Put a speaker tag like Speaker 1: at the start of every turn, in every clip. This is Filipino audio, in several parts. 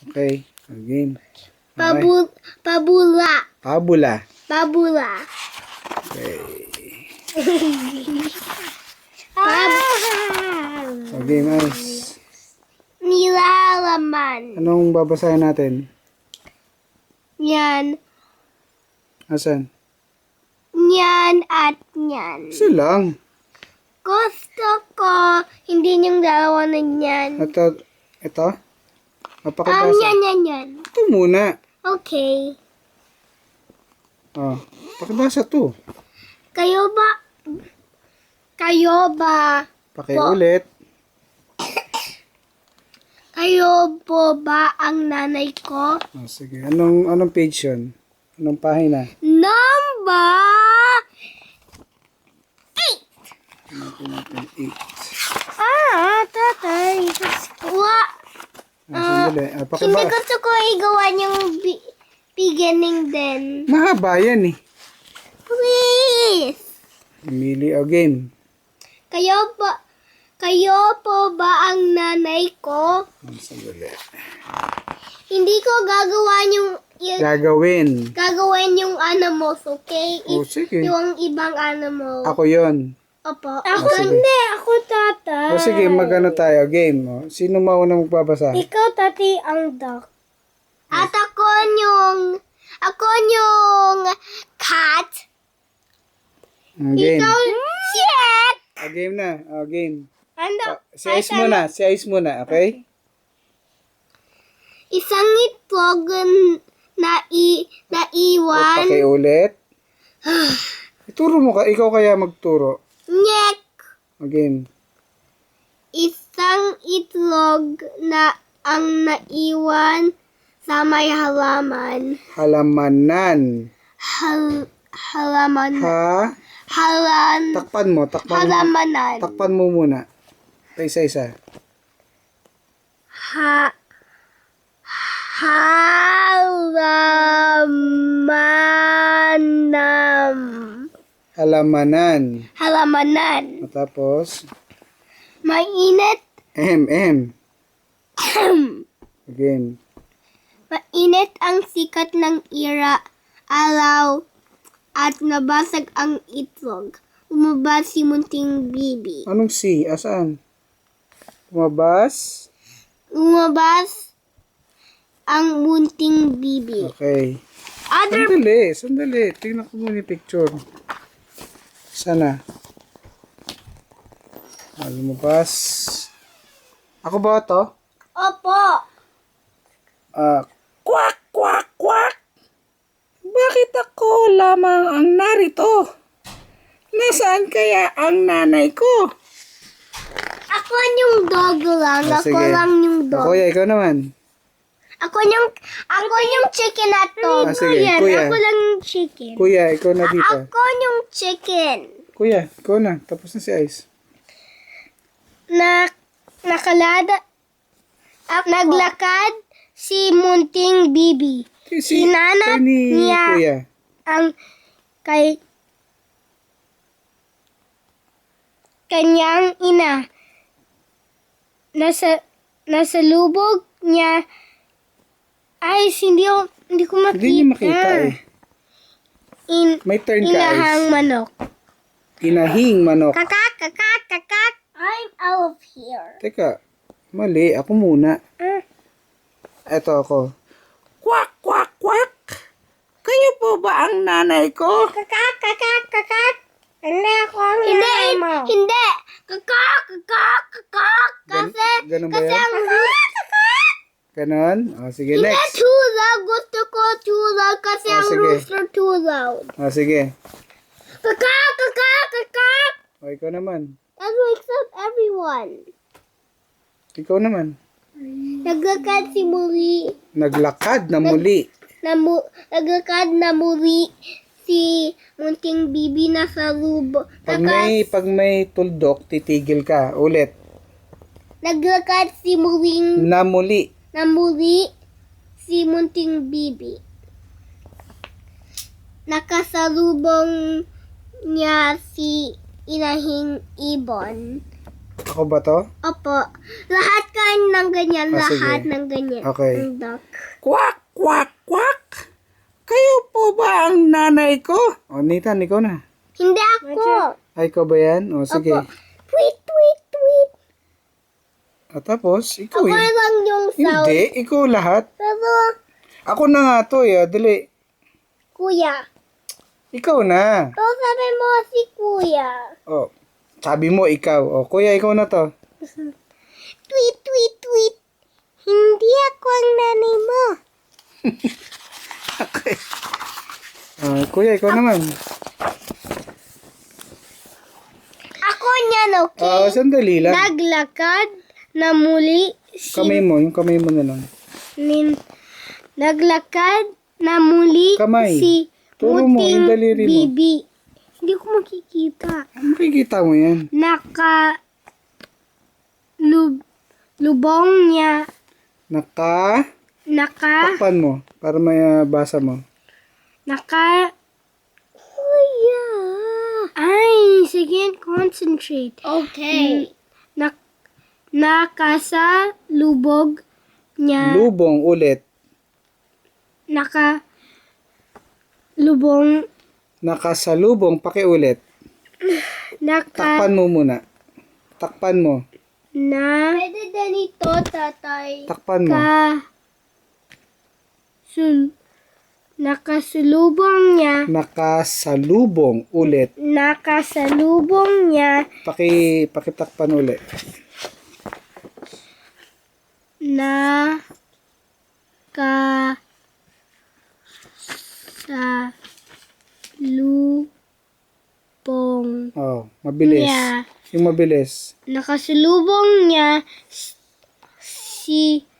Speaker 1: Okay. Game. Okay.
Speaker 2: Pabula.
Speaker 1: Pabula.
Speaker 2: Pabula.
Speaker 1: Okay. Okay, nice.
Speaker 2: Nilalaman.
Speaker 1: Anong babasahin natin?
Speaker 2: Yan.
Speaker 1: Asan?
Speaker 2: Yan at yan.
Speaker 1: Isa lang.
Speaker 2: Gusto ko hindi yung dalawa na yan.
Speaker 1: Ito? Mapakibasa.
Speaker 2: Yan.
Speaker 1: Ito muna.
Speaker 2: Okay.
Speaker 1: Oh, pakibasa to.
Speaker 2: Kayo ba,
Speaker 1: Pakiulit.
Speaker 2: kayo po ba ang nanay ko?
Speaker 1: Oh, sige. Anong page yun? Anong pahina?
Speaker 2: Number
Speaker 1: 8.
Speaker 2: Tatay.
Speaker 1: Sandali.
Speaker 2: Hindi
Speaker 1: Pakibasa.
Speaker 2: gusto ko igawa yung beginning din.
Speaker 1: Mahaba yan eh.
Speaker 2: Please.
Speaker 1: Mili o game.
Speaker 2: Kayo po ba ang nanay ko?
Speaker 1: Sandali.
Speaker 2: Hindi ko
Speaker 1: Gagawin.
Speaker 2: gagawin yung animals, okay?
Speaker 1: Oh, sige.
Speaker 2: Yung ibang animal.
Speaker 1: Ako yon.
Speaker 2: Opo.
Speaker 1: Ako sige.
Speaker 2: hindi. Ako tatay.
Speaker 1: O sige, magano tayo. Game. O. Sino mauna magbabasa?
Speaker 2: Ikaw, tati, ang duck. At ako yung cat.
Speaker 1: Game.
Speaker 2: Ikaw, shit!
Speaker 1: Game na. Game.
Speaker 2: Ano?
Speaker 1: Si Ice muna. Si Ice muna. Okay?
Speaker 2: Isang itlog na iwan.
Speaker 1: Pakiulit. Ituro mo ka. Ikaw kaya magturo.
Speaker 2: Nyek.
Speaker 1: Game.
Speaker 2: Isang itlog na ang naiwan sa may halaman.
Speaker 1: Halamanan.
Speaker 2: Halaman.
Speaker 1: Takpan mo.
Speaker 2: Halamanan.
Speaker 1: Takpan mo muna. Isa-isa. Halamanan.
Speaker 2: Halamanan.
Speaker 1: Tapos,
Speaker 2: Mainit.
Speaker 1: Game.
Speaker 2: Mainit ang sikat ng araw at nabasag ang itlog. Umabas si munting bibi.
Speaker 1: Anong C? Asaan? Lumabas?
Speaker 2: Umabas ang munting bibi.
Speaker 1: Okay.
Speaker 2: Other
Speaker 1: Sandali. Tingnan ko muna yung picture. Sana. Lumabas. Ako ba to?
Speaker 2: Opo.
Speaker 1: Kwak! Bakit ako lamang ang narito? Nasaan kaya ang nanay ko?
Speaker 2: Ako yung dog lang. Ako
Speaker 1: Sige.
Speaker 2: lang yung dog.
Speaker 1: Kuya, ikaw naman.
Speaker 2: Ako yung chicken na to.
Speaker 1: Sige, kuya.
Speaker 2: Ako lang yung chicken.
Speaker 1: Kuya, ikaw na dito.
Speaker 2: Ako yung chicken.
Speaker 1: Kuya, ikaw na. Tapos na si Ice.
Speaker 2: Naglakad si munting bibi. Hinanap niya
Speaker 1: Kuya.
Speaker 2: ang kanyang ina. Nasa lubog niya. Ay, hindi ko makita.
Speaker 1: Hindi niyo makita eh. May turn ka,
Speaker 2: Inahang
Speaker 1: Ice.
Speaker 2: manok.
Speaker 1: Inahing manok.
Speaker 2: Kakak. I'm out of here.
Speaker 1: Teka, mali. Ako muna. Eto ako. Kwak! Kayo po ba ang nanay ko?
Speaker 2: Kakak. Hindi ako ang nanay mo. Hindi. Kakak. Kasi
Speaker 1: Ganun ba yan?
Speaker 2: ang
Speaker 1: Ganon? Sige,
Speaker 2: hindi
Speaker 1: next.
Speaker 2: too loud. Gusto ko too loud kasi ang
Speaker 1: sige.
Speaker 2: rooster too loud.
Speaker 1: Sige.
Speaker 2: Kakak.
Speaker 1: O, ikaw naman.
Speaker 2: That wakes up everyone.
Speaker 1: Ikaw naman.
Speaker 2: Naglakad si muli.
Speaker 1: Naglakad na muli.
Speaker 2: Naglakad na muli si munting bibi na sa lubo.
Speaker 1: Pag may tuldok, titigil ka. Ulit.
Speaker 2: Naglakad si muling
Speaker 1: Na muli.
Speaker 2: na muli si munting bibi. Nakasalubong niya si inahing ibon.
Speaker 1: Ako ba to?
Speaker 2: Opo. Lahat kain ng ganyan.
Speaker 1: Ah, sige.
Speaker 2: Lahat ng ganyan.
Speaker 1: Okay.
Speaker 2: Ang duck.
Speaker 1: Quack, quack, quack. Kayo po ba ang nanay ko? O, Nathan, ikaw na.
Speaker 2: Hindi ako.
Speaker 1: Ay, ikaw ba yan? O, sige.
Speaker 2: Opo. Tweet, tweet, tweet.
Speaker 1: At tapos, ikaw
Speaker 2: Ako
Speaker 1: yun.
Speaker 2: lang yung sound.
Speaker 1: Hindi, ikaw lahat.
Speaker 2: Pero,
Speaker 1: Ako na nga to, dali.
Speaker 2: kuya.
Speaker 1: Ikaw na.
Speaker 2: So, sabi mo si kuya.
Speaker 1: O, sabi mo ikaw. O, kuya, ikaw na to.
Speaker 2: Tweet, tweet, tweet. Hindi ako ang nanay mo.
Speaker 1: Okay. Kuya, ikaw naman.
Speaker 2: Ako niyan, okay?
Speaker 1: Sandali lang.
Speaker 2: Naglakad na muli si
Speaker 1: Kamay mo, yung kamay mo na lang.
Speaker 2: Naglakad na muli
Speaker 1: Kamay.
Speaker 2: si
Speaker 1: Turo mo, yung daliri mo.
Speaker 2: Bibi. Hindi ko makikita.
Speaker 1: Makikita mo yan.
Speaker 2: Lubong niya.
Speaker 1: Takpan mo, para may basa mo.
Speaker 2: Kuya. Ay, sige, concentrate. Okay. Nakasa lubog niya.
Speaker 1: Lubong ulit.
Speaker 2: Lubong.
Speaker 1: Nakasalubong, pakiulit. Takpan mo muna. Takpan mo.
Speaker 2: Pwede ganito, tatay.
Speaker 1: Takpan mo.
Speaker 2: Nakasalubong niya.
Speaker 1: Nakasalubong ulit.
Speaker 2: Nakasalubong niya.
Speaker 1: Pakitakpan ulit.
Speaker 2: Nakasalubong
Speaker 1: Oh, mabilis.
Speaker 2: niya.
Speaker 1: Yung mabilis.
Speaker 2: Nakasalubong niya si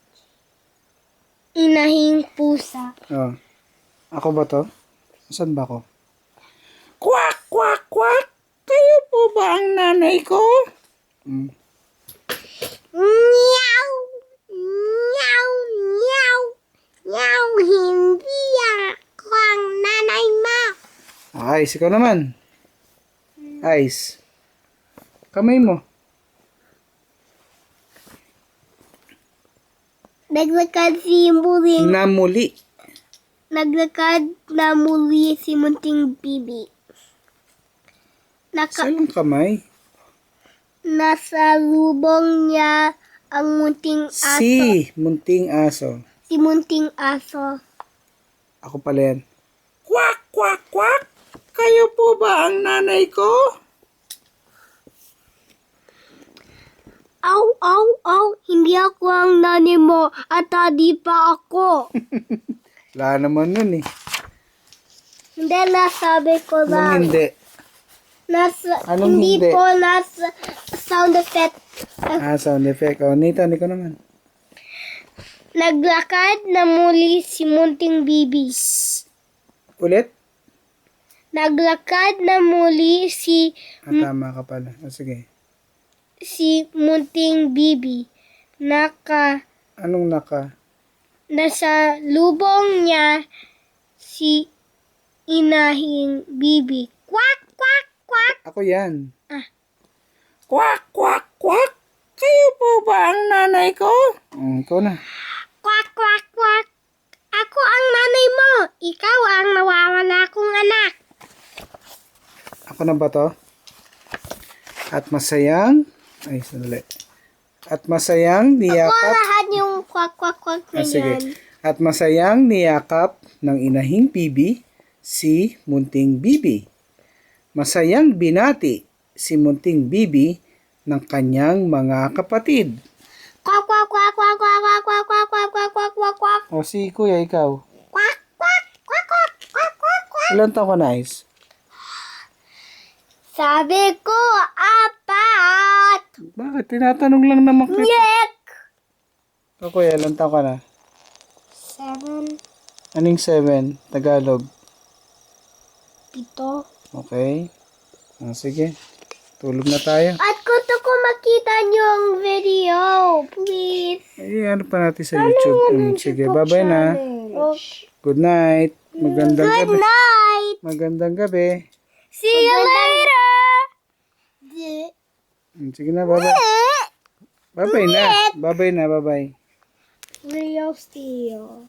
Speaker 2: inahing pusa.
Speaker 1: Oh. Ako ba to? Saan ba ako? Quack, quack, quack. Kayo po ba ang nanay ko?
Speaker 2: Meow! Meow! Meow! Meow! Hindi ako ang nanay mo.
Speaker 1: Ice, ikaw naman. Ice. Kamay mo.
Speaker 2: Naglakad si Muling.
Speaker 1: Namuli.
Speaker 2: Naglakad na muli si Munting Bibi.
Speaker 1: Salang kamay.
Speaker 2: Nasa lubong niya ang munting aso.
Speaker 1: Munting aso.
Speaker 2: Si munting aso.
Speaker 1: Ako pala yan. Quack, quack, quack. Kayo po ba ang nanay ko?
Speaker 2: Aw, aw, aw. Hindi ako ang nanay mo at di pa ako.
Speaker 1: Wala naman nun eh.
Speaker 2: Hindi, nasabi ko
Speaker 1: Anong
Speaker 2: lang.
Speaker 1: hindi? Anong
Speaker 2: hindi
Speaker 1: hindi?
Speaker 2: po nasa sound effect.
Speaker 1: Sound effect. O, Nathan, ikaw naman.
Speaker 2: Naglakad na muli si Munting Bibi.
Speaker 1: Ulit?
Speaker 2: Naglakad na muli si
Speaker 1: Tama ka pala. O, sige.
Speaker 2: Munting Bibi.
Speaker 1: Anong naka?
Speaker 2: Nasa lubong niya si inahing Bibi. Quack, quack, quack.
Speaker 1: Ako yan.
Speaker 3: Quack, quack, quack. Kayo po ba ang nanay ko?
Speaker 1: Ikaw na.
Speaker 2: Quack, quack, quack. Ako ang nanay mo. Ikaw ang nawawala kong anak.
Speaker 1: Ako na ba to? At masayang... Ay, sandali. At masayang
Speaker 2: Ako
Speaker 1: niyakap...
Speaker 2: lahat yung quack, quack, quack na
Speaker 1: Sige.
Speaker 2: yan.
Speaker 1: At masayang niyakap ng inahing bibi si Munting Bibi. Masayang binati si Munting Bibi ng kanyang mga kapatid.
Speaker 2: Quack, quack, quack, quack, quack, quack, quack, quack, quack, quack, quack, quack, quack.
Speaker 1: O si Kuya, ikaw.
Speaker 2: Quack, quack, quack, quack, quack, quack, quack.
Speaker 1: Ilan taon ka na, Ice?
Speaker 2: Sabi ko, apat.
Speaker 1: Bakit? Tinatanong lang naman kita.
Speaker 2: Yek!
Speaker 1: O Kuya, ilan taon ka na?
Speaker 2: 7,
Speaker 1: Aning 7? Tagalog.
Speaker 2: 7.
Speaker 1: Okay. Sige. Tulog na tayo.
Speaker 2: At gusto ko makita yung video. Please.
Speaker 1: Ano pa natin sa YouTube? Sige, bye-bye na.
Speaker 2: Okay.
Speaker 1: Good night. Magandang
Speaker 2: Good
Speaker 1: gabi.
Speaker 2: night.
Speaker 1: Magandang gabi.
Speaker 2: See you later.
Speaker 1: Sige na, bye-bye. Bye-bye na. Bye-bye na, bye-bye.
Speaker 2: Real steel.